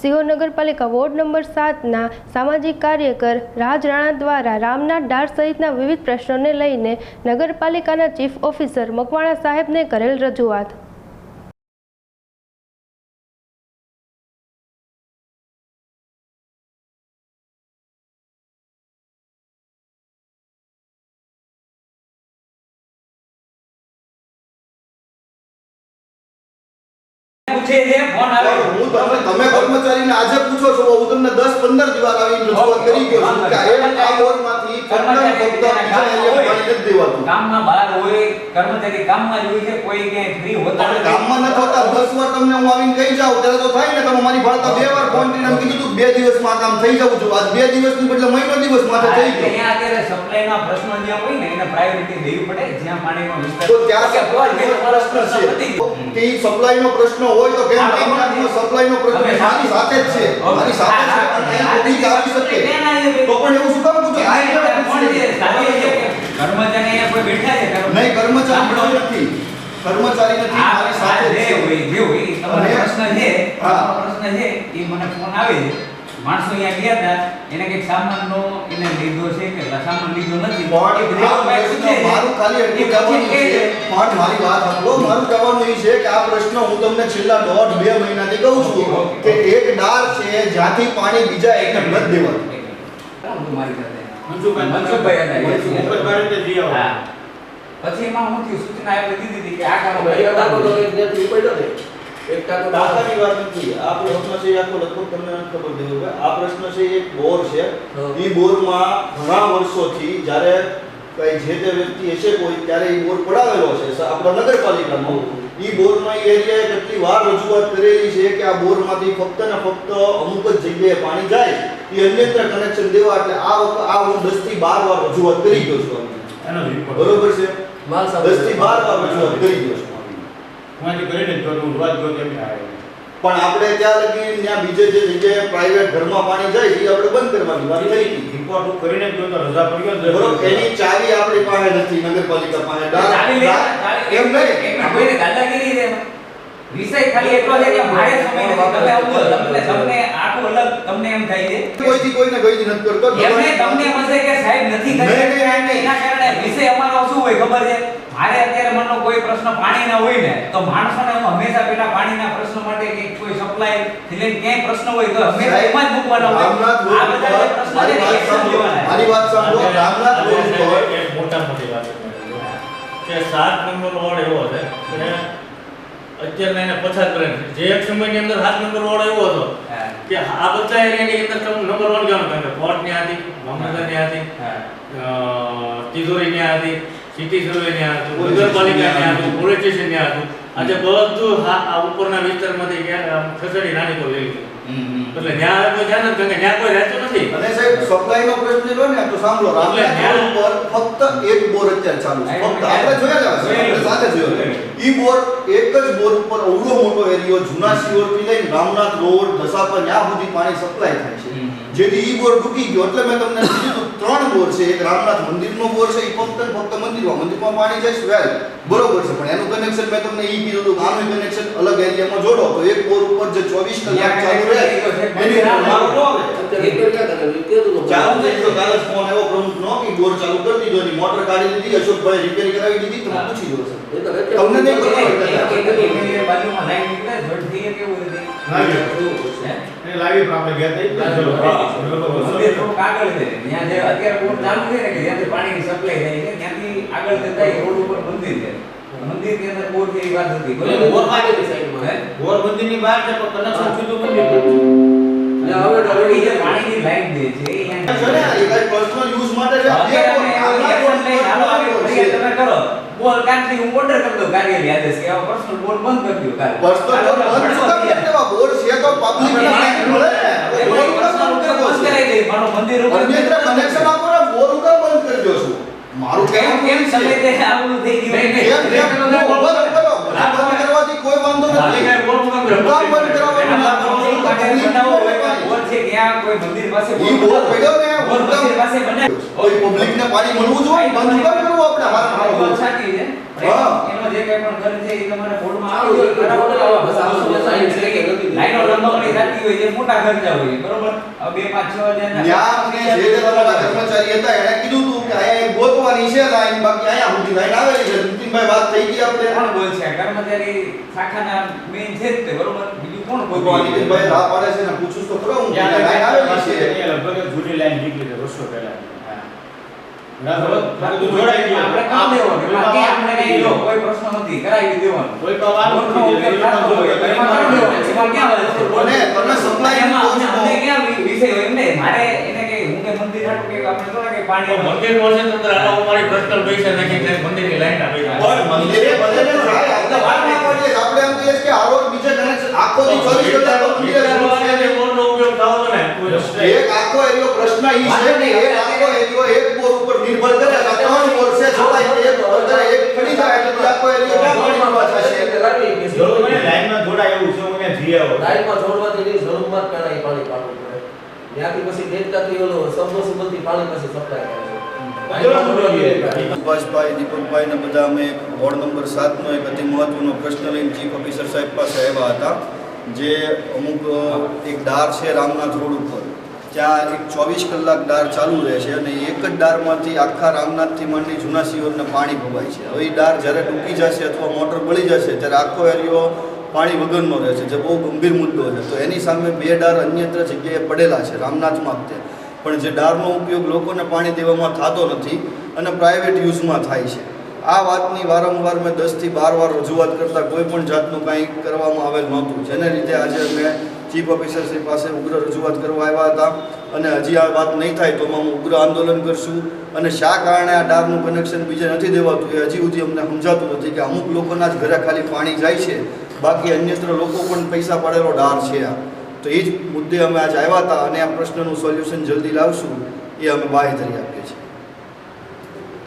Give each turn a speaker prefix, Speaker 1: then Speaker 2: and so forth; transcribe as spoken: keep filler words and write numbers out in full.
Speaker 1: સિહોર નગરપાલિકા ward number સાતના સામાજિક કાર્યકર રાજ રાણા દ્વારા રામનાથ ડાર સહિતના વિવિધ પ્રશ્નોને લઈને નગરપાલિકાના ચીફ ઓફિસર મકવાણા સાહેબને કરેલ રજૂઆત।
Speaker 2: पूछे है फोन आवे
Speaker 3: હું તમને તમે કર્મચારીને આજે પૂછો છો હું તમને દસ પંદર દિવસ આવીને રજૂઆત કરી ગયો છું કે આ બોર્ડમાંથી ફક્ત ફક્ત બીજા એરિયા પાણી નથી દેવાતું।
Speaker 2: કામમાં બહાર હોય કર્મચારી કામમાં જ હોય છે કોઈ કે ફ્રી હોતા નથી
Speaker 3: કામમાં ન હોતા દસ વાર તમને હું આવીને કહી જાઉં ત્યારે તો થાય ને તમે મારી ભાળતા બે વાર ફોન કરીને કીધું તું બે દિવસમાં કામ થઈ જવું છું આજ બે દિવસની બદલે મહિનો દિવસ માથે થઈ ગયો।
Speaker 2: અહીંયા અત્યારે સપ્લાયના પ્રશ્નો જ્યાં હોય ને એને પ્રાયોરિટી દેવી પડે જ્યાં પાણીનો વિસ્તાર
Speaker 3: તો ત્યાં પ્રશ્ન છે કે ઈ સપ્લાયનો પ્રશ્ન હોય તો કેમ રામનાથનો સપ્લાયનો પ્રશ્ન મારી સાથે જ છે મારી સાથે છે અને અહીં આવી શકે તો પણ એવું શું કામ પૂછો
Speaker 2: કર્મચારી અહીંયા કોઈ બેઠા છે
Speaker 3: નહીં કર્મચારી નથી કર્મચારી નથી મારી સાથે
Speaker 2: જે હોય જે હોય તમારો પ્રશ્ન છે આ પ્રશ્ન છે એ મને ફોન આવે છે માણસો અહીંયા ગયા હતા એને કે સામાનનો એને લીધો છે કે સામાન લીધો નથી
Speaker 3: મારું ખાલી એટલું કહેવાનું છે પણ મારી વાત સાંભળો મારું કહેવાનું એ છે કે આ પ્રશ્ન હું તમને છેલ્લા દોઢ બે મહિનાથી કહું છું કે એક ડાર છે જ્યાંથી પાણી બીજા એકને નથી દેવાનું
Speaker 2: મારી સાથે મનસુખભાઈ હતા મનસુખભાઈ તે જી આવો હા પછી એમાં હું થયું સૂચના આપી દીધી હતી કે આ કામ પડ્યો ને
Speaker 3: એક ટાકો દાખલાની વાત નથી આ પ્રશ્ન છે આખો લગભગ તમને ખબર દેવું કે આ પ્રશ્ન છે એક બોર છે ઈ બોરમાં ઘણા વર્ષોથી જ્યારે કઈ જે તે વ્યક્તિ હશે કોઈ ત્યારે ઈ બોર પડાવેલો છે આપણા નગરપાલિકામાં ઈ બોરમાં એરિયાએ કેટલી વાર રજૂઆત કરેલી છે કે આ બોરમાંથી ફક્ત ને ફક્ત અમુક જ જગ્યાએ પાણી જાય ઈ અન્યત્ર કનેક્શન દેવા એટલે આ વખત આ હું દસ થી બાર વાર રજૂઆત કરી ગયો છું એનો બરોબર છે દસ થી બાર વાર રજૂઆત કરી ગયો છું
Speaker 4: મારી કરીને જો હું વાત જો તેમ થાય
Speaker 3: પણ આપણે ત્યાં લગી ત્યાં બીજે જે જગ્યાએ પ્રાઇવેટ ઘરમાં પાણી જાય છે આપણે બંધ કરવાની વાત થઈ હતી
Speaker 4: રિપોર્ટ કરીને જો તો રજા પડ્યો
Speaker 3: બરોબર એની ચાવી આપણી પાસે નથી નગરપાલિકા પાસે
Speaker 2: ચાવી લે
Speaker 3: એમ નહીં
Speaker 2: એક કોઈને દાદાગીરી રે વિષય ખાલી એટલો છે કે મારે સમય નથી તમે આવું તમને તમને આખું અલગ તમને એમ થાય છે
Speaker 3: કોઈથી કોઈને ગઈ નથી કરતો
Speaker 2: એમને તમને એમ હશે કે સાહેબ નથી કરી એના કારણે વિષય અમારો શું હોય ખબર છે મારે અત્યારે મનનો કોઈ પ્રશ્ન પાણીના હોય ને તો માણસોને હું હંમેશા પેલા પાણીના પ્રશ્ન માટે કે કોઈ સપ્લાય થી લઈને ક્યાંય પ્રશ્ન હોય તો હંમેશા એમાં જ મૂકવાનો હોય આ બધા જે પ્રશ્ન છે ને એક્શન લેવાના
Speaker 3: મારી વાત સાંભળો રામનાથ રોડ પર
Speaker 4: એક મોટા મોટી વાત કે સાત નંબર વોર્ડ એવો છે કે અત્યારે એને પછાત કરે જે એક સમયની અંદર સાત નંબર વોર્ડ એવો હતો કે આ બધા એરિયાની અંદર તમે નંબર વન ગણો કારણ કે કોર્ટ ની હતી મામલતદાર ની હતી તિજોરી ની હતી સિટી સર્વે ની હતું નગરપાલિકા ની હતું પોલીસ સ્ટેશન ની હતું આજે બધું આ ઉપરના વિસ્તારમાંથી ખસેડી નાની પર લઈ લીધું એટલે ત્યાં કોઈ ધ્યાન નથી કારણ કે ત્યાં કોઈ રહેતું નથી
Speaker 3: અને સાહેબ સપ્લાયનો પ્રશ્ન લો ને તો સાંભળો રામનાથ રોડ પર ફક્ત એક બોર અત્યારે ચાલુ છે ફક્ત આપણે જોયા જ આપણે સાથે જોયો ઈ બોર એક જ બોર ઉપર અવળો મોટો એરિયો જૂના સિયોર થી લઈને રામનાથ રોડ દસાપર ત્યાં સુધી પાણી સપ્લાય થાય છે જેથી ઈ બોર ડૂબી ગયો એટલે મેં તમને કીધું ત્રણ બોર છે એક રામનાથ મંદિરનો બોર છે ઈ ફક્ત ફક્ત મંદિરમાં મંદિરમાં પાણી જાય વેલ બરોબર છે પણ એનું કનેક્શન મેં તમને ઈ કીધું હતું આનું કનેક્શન અલગ એરિયામાં જોડો તો એક બોર ઉપર જે ચોવીસ કલાક ચાલુ રહે એની મારો નો આવે એક ક્યાં કરે કીધું તો ચાલુ થઈ ગયો કાલે ફોન આવ્યો પ્રમુખનો કે બોર ચાલુ કરી દીધો ની મોટર કાઢી દીધી અશોકભાઈ રિપેર કરાવી દીધી તમે પૂછી લો સર તમને નહીં ખબર
Speaker 2: બાજુમાં લાઈન નીકળે ઝડપી કેવું રીતે
Speaker 4: એ લાવી આપણે ગયા
Speaker 2: મંદિર થોડું આગળ છે ત્યાં જે અત્યારે બોર ચાલુ છે ને કે જ્યાંથી પાણીની સપ્લાય થાય છે ત્યાંથી આગળ જતા રોડ ઉપર મંદિર છે મંદિર ની અંદર બોર જેવી વાત હતી બોર પાણી સાઈડમાં
Speaker 4: બોર મંદિરની બહાર છે પણ કનેક્શન સીધું મંદિર પર
Speaker 2: અને હવે ડબલી જે પાણીની લાઈન દે છે અહીંયા
Speaker 3: છે ને એ કઈ પર્સનલ યુઝ માટે છે
Speaker 2: તમે કરો બોલ કાંથી હું ઓર્ડર કરી દઉં કાર્યાલય આદેશ કે આ પર્સનલ બોર બંધ કરી દો કાર્ય
Speaker 3: પર્સનલ બોર બંધ શું કામ કરવા બોર છે તો પબ્લિક ને મળે ને બોર
Speaker 2: પર્સનલ બોર બંધ કરાવી દે મારો મંદિર ઉપર
Speaker 3: અન્યત્ર કનેક્શન આપો ને બોર ઉપર બંધ કરી દો છું મારું
Speaker 2: કેમ
Speaker 3: કહેવું
Speaker 2: કેમ સમય તે આવું થઈ ગયું
Speaker 3: કેમ કેમ બંધ કરો બંધ કરવાથી કોઈ વાંધો નથી
Speaker 2: બોર બંધ
Speaker 3: બંધ કરાવવાનું
Speaker 2: બોર છે કે ત્યાં કોઈ મંદિર પાસે
Speaker 3: ઈ બોર પડ્યો ને
Speaker 2: બોર મંદિર પાસે બને
Speaker 3: કોઈ પબ્લિકને પાણી મળવું જોઈએ, બંધ કેમ કરવું આપણે હારા
Speaker 2: આ વાત
Speaker 3: હારા?
Speaker 2: સાચી છે.
Speaker 3: હા.
Speaker 2: એનો જે કંઈ પણ ઘર છે એ તમારા બોર્ડમાં આવી હોય બરાબર. બસ આવશે લાઈનો લંબાવણી થતી હોય જે મોટા ઘર હોય બરોબર. હવે બે પાંચ છ હજાર
Speaker 3: ન્યા અમને જે જે તમારા કર્મચારી હતા એણે કીધું હતું કે અહીંયા એક ગોતવાની છે લાઈન, બાકી અહીંયા સુધી લાઈન આવેલી છે. નીતિનભાઈ વાત થઈ ગઈ આપણે.
Speaker 2: કોણ બોલ છે કર્મચારી શાખાના મેઇન છે જ તે બરોબર. બીજું કોણ બોલ
Speaker 3: ભગવાન નીતિનભાઈ રાહ પાડે છે ને પૂછું તો ખરો હું કે લાઈન આવેલી છે.
Speaker 5: લગભગ જૂની લાઈન નીકળી છે વર્ષો પહેલા.
Speaker 2: આપણે કામ દેવાનું બાકી આપણે કઈ લો કોઈ પ્રશ્ન નથી કરાવી દેવાનું.
Speaker 5: કોઈ પણ વાત
Speaker 2: બોર્ડનો ઉપયોગ થતો હોય તો એમાં કરી દેવાનું. એમાં ક્યાં વાત છે?
Speaker 3: અને તમે સપ્લાય
Speaker 2: એમાં
Speaker 3: કોણ છો?
Speaker 2: અમને ક્યાં વિ- વિષય હોય એમ નહીં. મારે એને કઈ હું કે મંદિર હાટું કે આપણે તો કે પાણી
Speaker 4: મંદિર પાસે તો અંદર આનો અમારી પર્સનલ પૈસા નાખી મંદિરની લાઈન આપી
Speaker 3: પણ મંદિરે ભલે ને જાય, આપણે વાત ના કરીએ. આપણે એમ કહીએ કે આ રોજ બીજે કનેક્શન આખો દી ચોવીસ કલાક તો મંદિરે શરૂ છે ને.
Speaker 4: બોરનો ઉપયોગ થવો ને કોઈ રસ્તે
Speaker 3: એક આખો એરિયો પ્રશ્ન ઈ છે કે એક આખો એરિયો એક બોર ઉપર નિર્ભર કરે છે. ત્રણ બોર છે, છતાં એક બોર કરે, એક ખડી જાય એટલે બીજો આખો એરિયો ક્યાં પાણી મળવા જશે?
Speaker 5: જરૂર મને લાઈનમાં જોડાય એવું છે, હું ત્યાં જઈ આવ્યો.
Speaker 6: લાઈનમાં જોડવાથી નહીં, જરૂરમાં જ પહેલા એ પાણી પાડવું પડે. ત્યાંથી પછી ડેલ્ટાથી ઓલો સબમર્સિબલથી પાણી પછી સપ્લાય કરે છે. લાઈનમાં જોડવાની
Speaker 3: સુભાષભાઈ, દીપકભાઈ ને બધા અમે વોર્ડ નંબર સાત નો એક અતિ મહત્વનો પ્રશ્ન લઈને ચીફ ઓફિસર સાહેબ પાસે આવ્યા હતા. જે અમુક એક ડાર છે રામનાથ રોડ ઉપર, ત્યાં એક ચોવીસ કલાક ડાર ચાલુ રહે છે અને એક જ ડારમાંથી આખા રામનાથથી માંડી જૂના સિયોરને પાણી ભવાય છે. હવે એ ડાર જ્યારે ટૂંકી જશે અથવા મોટર બળી જશે ત્યારે આખો એરિયો પાણી વગરનો રહે છે, જે બહુ ગંભીર મુદ્દો છે. તો એની સામે બે ડાર અન્યત્ર જગ્યાએ પડેલા છે રામનાથમાં જ તે, પણ જે ડારનો ઉપયોગ લોકોને પાણી દેવામાં થતો નથી અને પ્રાઇવેટ યુઝમાં થાય છે. આ વાતની વારંવાર મેં દસથી બાર વાર રજૂઆત કરતાં કોઈ પણ જાતનું કાંઈ કરવામાં આવેલ નહોતું, જેને લીધે આજે અમે ચીફ ઓફિસર શ્રી પાસે ઉગ્ર રજૂઆત કરવા આવ્યા હતા. અને હજી આ વાત નહીં થાય તો અમે ઉગ્ર આંદોલન કરશું. અને શા કારણે આ ડારનું કનેક્શન બીજે નથી દેવાતું એ હજી સુધી અમને સમજાતું નથી, કે અમુક લોકોના જ ઘરે ખાલી પાણી જાય છે, બાકી અન્યત્ર લોકો પણ પૈસા પાડેલો ડાર છે આ. તો એ જ મુદ્દે અમે આજે આવ્યા હતા અને આ પ્રશ્નનું સોલ્યુશન જલ્દી લાવશું એ અમે બાંહેધરી આપીએ છીએ.